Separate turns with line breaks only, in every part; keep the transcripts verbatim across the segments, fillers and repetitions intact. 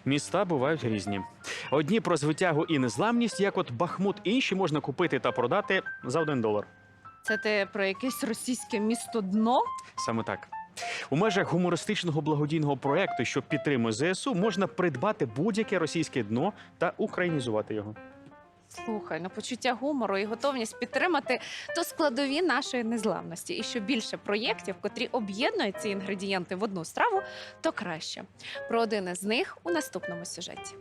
Міста бувають різні. Одні про звитягу і незламність, як от Бахмут, інші можна купити та продати за один долар.
Це ти про якесь російське місто дно?
Саме так. У межах гумористичного благодійного проєкту, що підтримує ЗСУ, можна придбати будь-яке російське дно та українізувати його.
Слухай, ну почуття гумору і готовність підтримати то складові нашої незламності. І що більше проєктів, котрі об'єднують ці інгредієнти в одну страву, то краще. Про один із них у наступному сюжеті.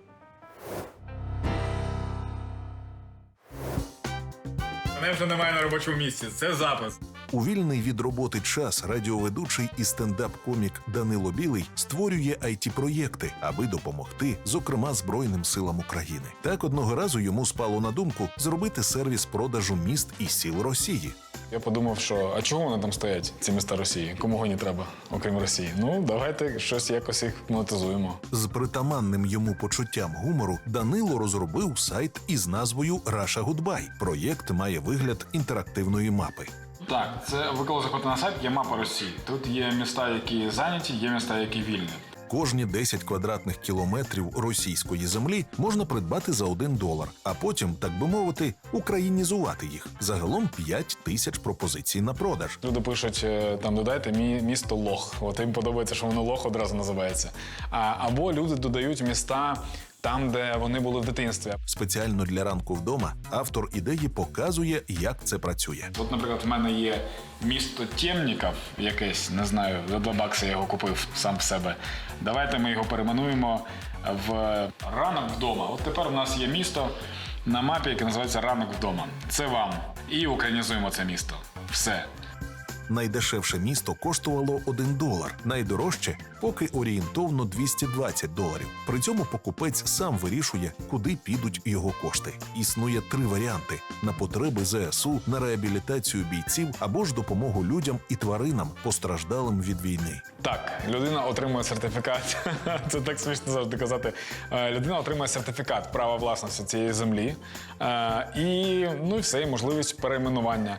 Мене вже немає на робочому місці. Це запис.
У вільний від роботи час радіоведучий і стендап-комік Данило Білий створює ай ті-проєкти, аби допомогти, зокрема, Збройним силам України. Так одного разу йому спало на думку зробити сервіс продажу міст і сіл Росії.
Я подумав, що а чого вони там стоять, ці міста Росії? Кому вони треба, окрім Росії? Ну, давайте щось якось їх монетизуємо.
З притаманним йому почуттям гумору Данило розробив сайт із назвою Russia Goodbye. Проєкт має вигляд інтерактивної мапи.
Так, це ви коли заходите на сайт, є мапа Росії. Тут є міста, які зайняті, є міста, які вільні.
Кожні десять квадратних кілометрів російської землі можна придбати за один долар, а потім, так би мовити, українізувати їх. Загалом п'ять тисяч пропозицій на продаж.
Люди пишуть, е, там додайте мі- місто Лох. От їм подобається, що воно Лох одразу називається. А, або люди додають міста там, де вони були в дитинстві.
Спеціально для ранку вдома автор ідеї показує, як це працює.
От, наприклад, в мене є місто Темніків якесь, не знаю, за два бакси я його купив сам в себе. Давайте ми його перейменуємо в «Ранок вдома». От тепер у нас є місто на мапі, яке називається «Ранок вдома». Це вам. І українізуємо це місто. Все.
Найдешевше місто коштувало один долар, найдорожче – поки орієнтовно двісті двадцять доларів. При цьому покупець сам вирішує, куди підуть його кошти. Існує три варіанти – на потреби ЗСУ, на реабілітацію бійців або ж допомогу людям і тваринам, постраждалим від війни.
Так, людина отримує сертифікат. Це так смішно завжди казати. Е, Людина отримує сертифікат права власності цієї землі. Е, І, ну, і все, і можливість перейменування.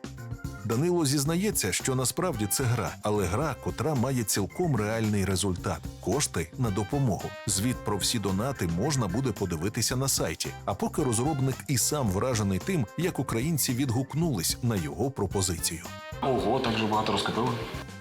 Данило зізнається, що насправді це гра, але гра, котра має цілком реальний результат – кошти на допомогу. Звіт про всі донати можна буде подивитися на сайті. А поки розробник і сам вражений тим, як українці відгукнулись на його пропозицію.
Ого, так же багато розкупили.